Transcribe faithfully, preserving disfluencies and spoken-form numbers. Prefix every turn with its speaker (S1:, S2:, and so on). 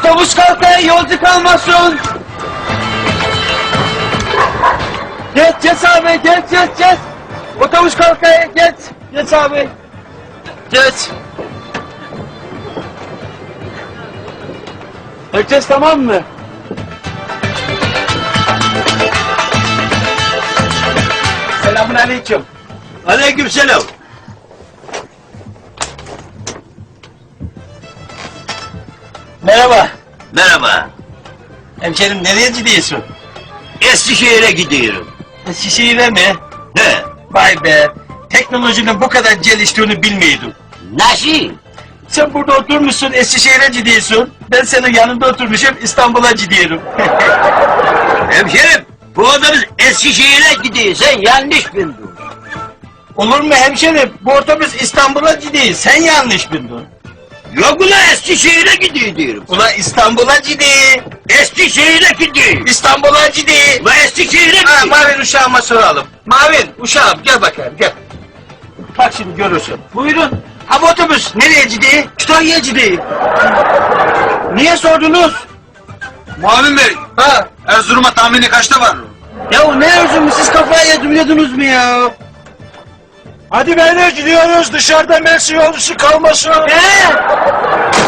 S1: Otobüs kalkıyor, yolcu kalmasın. Geç, geç abi, geç, geç, geç. Otobüs kalkıyor, geç. Geç abi. Geç. Herkes tamam mı? Selamun aleyküm.
S2: Aleykümselam.
S1: Merhaba.
S2: Merhaba.
S1: Hemşerim nereye gidiyorsun?
S2: Eskişehir'e gidiyorum.
S1: Eskişehir'e mi?
S2: He.
S1: Vay be. Teknolojinin bu kadar geliştiğini bilmiyordum.
S2: Nasıl?
S1: Sen burada oturmuşsun, Eskişehir'e gidiyorsun. Ben senin yanında oturmuşum, İstanbul'a gidiyorum.
S2: Hemşerim, bu otobüs Eskişehir'e gidiyor. Sen yanlış bildin.
S1: Olur mu hemşerim? Bu otobüs İstanbul'a gidiyor. Sen yanlış bildin.
S2: Yok ulan Eskişehir'e gidiyor diyorum.
S1: Ulan İstanbul'a gidiyor.
S2: Eskişehir'e gidiyor.
S1: İstanbul'a gidiyor.
S2: Ulan Eskişehir'e
S1: Ha,
S2: gidiyor.
S1: Mavin uşağıma soralım. Mavin uşağım gel bakayım gel. Bak şimdi görürsün. Buyurun. Ha bu otobüs nereye gidiyor? Kütahya'ya gidiyor. Niye sordunuz?
S3: Muavin Bey,
S1: Ha?
S3: Erzurum'a tahmini kaçta var?
S1: Ya o ne Erzurum, siz kafaya yediyordunuz mu ya?
S4: Hadi beyler gidiyoruz, dışarıda Mersin yolcusu kalmasın.
S1: He?